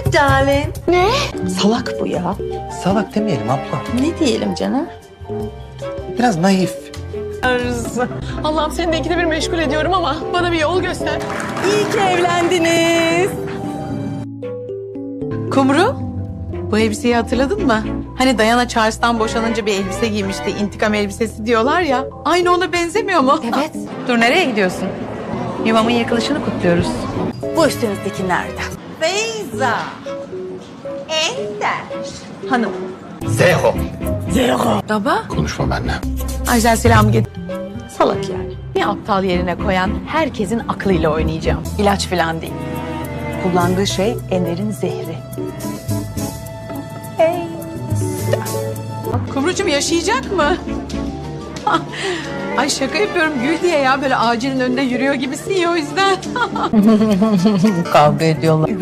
darling. Ne? Salak bu ya. Salak demeyelim abla. Ne diyelim canım? Biraz naif. Allah'ım seni de ikide bir meşgul ediyorum ama bana bir yol göster. İyi ki evlendiniz. Kumru, bu elbiseyi hatırladın mı? Hani Diana Charles'tan boşanınca bir elbise giymişti. İntikam elbisesi diyorlar ya. Aynı ona benzemiyor mu? Evet. Dur, nereye gidiyorsun? Yuvamın yıkılışını kutluyoruz. Bu üstünüzdeki nereden? Beyza. Ender. Hanım. Zeho. Baba. Konuşma benimle. Ajdar selamı getir. Salak yani. Bir aptal yerine koyan herkesin aklıyla oynayacağım. İlaç falan değil. Kullandığı şey Ender'in zehri. Hey. Kumrucuğum yaşayacak mı? Ay şaka yapıyorum, gül diye ya, böyle ağacının önünde yürüyor gibisin ya, o yüzden. Kavga ediyorlar.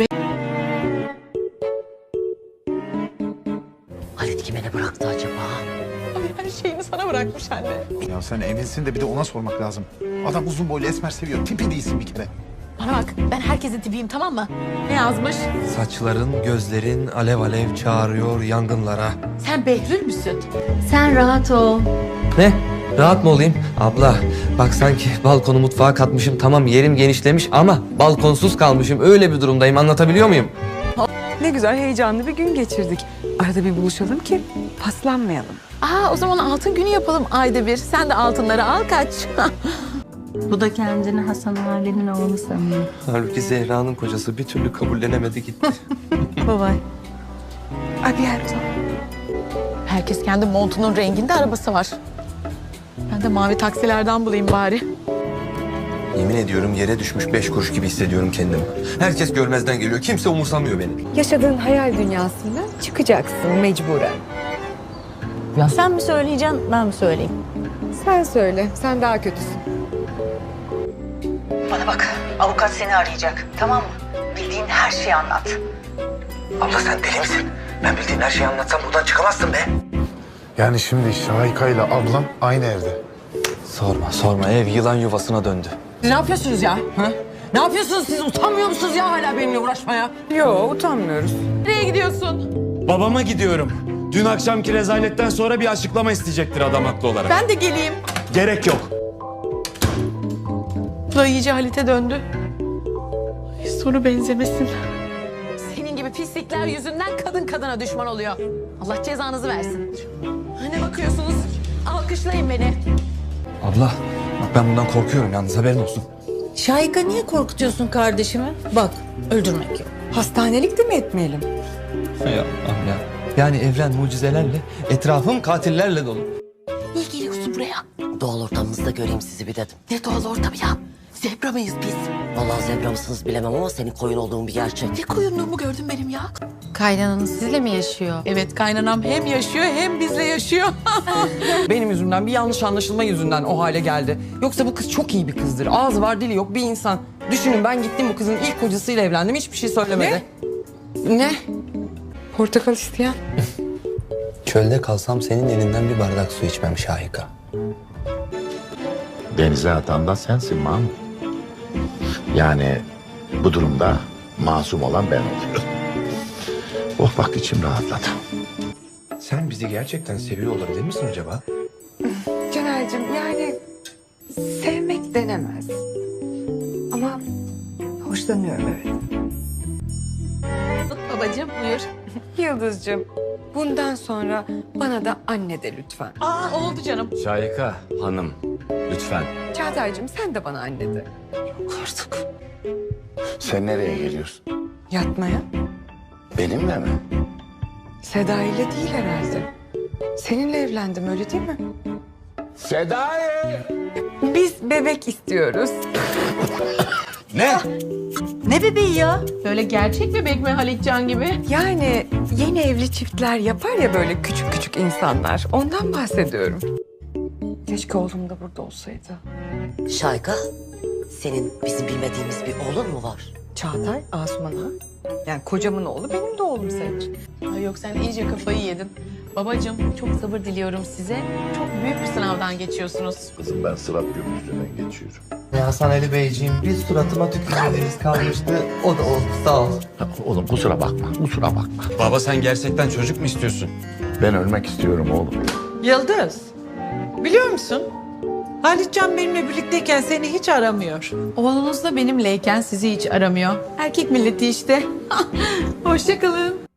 Halit kime ne bıraktı acaba? Ay, her şeyini sana bırakmış anne. Ya sen eminsin de bir de ona sormak lazım. Adam uzun boylu esmer seviyor. Tipi değilsin bir kere. Bana bak, ben herkesin tipiyim, tamam mı? Ne yazmış? Saçların, gözlerin alev alev çağırıyor yangınlara. Sen Behlül müsün? Sen rahat ol. Ne? Rahat mı olayım? Abla bak sanki balkonu mutfağa katmışım. Tamam yerim genişlemiş ama balkonsuz kalmışım. Öyle bir durumdayım, anlatabiliyor muyum? Ne güzel heyecanlı bir gün geçirdik. Arada bir buluşalım ki paslanmayalım. Aa, o zaman altın günü yapalım ayda bir. Sen de altınları al, kaç. Bu da kendini Hasan Ali'nin oğlu sanıyor. Halbuki Zehra'nın kocası bir türlü kabullenemedi gitti. Babay. Abierto. Herkes kendi montunun renginde arabası var. Ben de mavi taksilerden bulayım bari. Yemin ediyorum yere düşmüş 5 kuruş gibi hissediyorum kendimi. Herkes görmezden geliyor. Kimse umursamıyor beni. Yaşadığın hayal dünyasından çıkacaksın mecburen. Sen mi söyleyeceksin, ben mi söyleyeyim? Sen söyle, sen daha kötüsün. Bana bak, avukat seni arayacak, tamam mı? Bildiğin her şeyi anlat. Abla sen deli misin? Ben bildiğin her şeyi anlatsam buradan çıkamazsın be. Yani şimdi Şahika ile ablam aynı evde. Sorma ev yılan yuvasına döndü. Siz ne yapıyorsunuz ya? Ha? Ne yapıyorsunuz siz? Utanmıyor musunuz ya hala benimle uğraşmaya? Yo, utanmıyoruz. Nereye gidiyorsun? Babama gidiyorum. Dün akşamki rezaletten sonra bir açıklama isteyecektir adam haklı olarak. Ben de geleyim. Gerek yok. Bu da iyice Halit'e döndü. Ay, sonu benzemesin. Senin gibi pislikler yüzünden kadın kadına düşman oluyor. Allah cezanızı versin. Ne bakıyorsunuz? Alkışlayın beni. Abla bak ben bundan korkuyorum yalnız haberin olsun. Şahika, niye korkutuyorsun kardeşimi? Bak, öldürmek yok. Hastanelik de mi etmeyelim? Hay Allah'ım ya. Yani evren mucizelerle, etrafım katillerle dolu. Niye geliyorsun buraya? Doğal ortamımızda göreyim sizi bir dedim. Ne doğal ortam ya? Zebra mıyız biz? Vallahi zebra mısınız bilemem ama senin koyun olduğun bir gerçek. Ne koyunluğumu gördün benim ya? Kaynananız sizle mi yaşıyor? Evet, kaynanam hem yaşıyor hem bizle yaşıyor. Benim yüzümden, bir yanlış anlaşılma yüzünden o hale geldi. Yoksa bu kız çok iyi bir kızdır. Ağzı var, dili yok bir insan. Düşünün, ben gittim bu kızın ilk kocasıyla evlendim. Hiçbir şey söylemedi. Ne? Portakal isteyen. Çölde kalsam senin elinden bir bardak su içmem Şahika. Denize atan da sensin Mahmut. Yani bu durumda masum olan ben oluyorum. Oh bak içim rahatladı. Sen bizi gerçekten seviyor olabilir misin acaba? Caner'cim yani sevmek denemez. Ama hoşlanıyorum evet. Babacığım buyur. Yıldız'cığım bundan sonra bana da anne de lütfen. Aa, oldu canım. Şahika hanım lütfen. Çağatay'cığım sen de bana anne de. Artık. Sen nereye geliyorsun? Yatmaya. Benimle mi? Seda ile değil herhalde. Seninle evlendim öyle değil mi? Sedai! Biz bebek istiyoruz. Ne? Ne bebeği ya? Böyle gerçek bebek mi Halitcan gibi? Yani yeni evli çiftler yapar ya böyle küçük küçük insanlar. Ondan bahsediyorum. Keşke oğlum da burada olsaydı. Şayka, senin bizim bilmediğimiz bir oğlun mu var? Çağatay, Asuman Ağa. Yani kocamın oğlu benim de oğlum sayılır. Ay yok, sen iyice kafayı yedin. Babacığım çok sabır diliyorum size. Çok büyük bir sınavdan geçiyorsunuz. Kızım ben Sırat Köprüsü'nden geçiyorum. Hasan Ali Beyciğim bir suratıma tükürmediğiniz kalmıştı. O da oldu sağ ol. Oğlum kusura bakma, kusura bakma. Baba sen gerçekten çocuk mu istiyorsun? Ben ölmek istiyorum oğlum. Yıldız, biliyor musun? Halitcan benimle birlikteyken seni hiç aramıyor. Oğlunuz da benimleyken sizi hiç aramıyor. Erkek milleti işte. Hoşça kalın.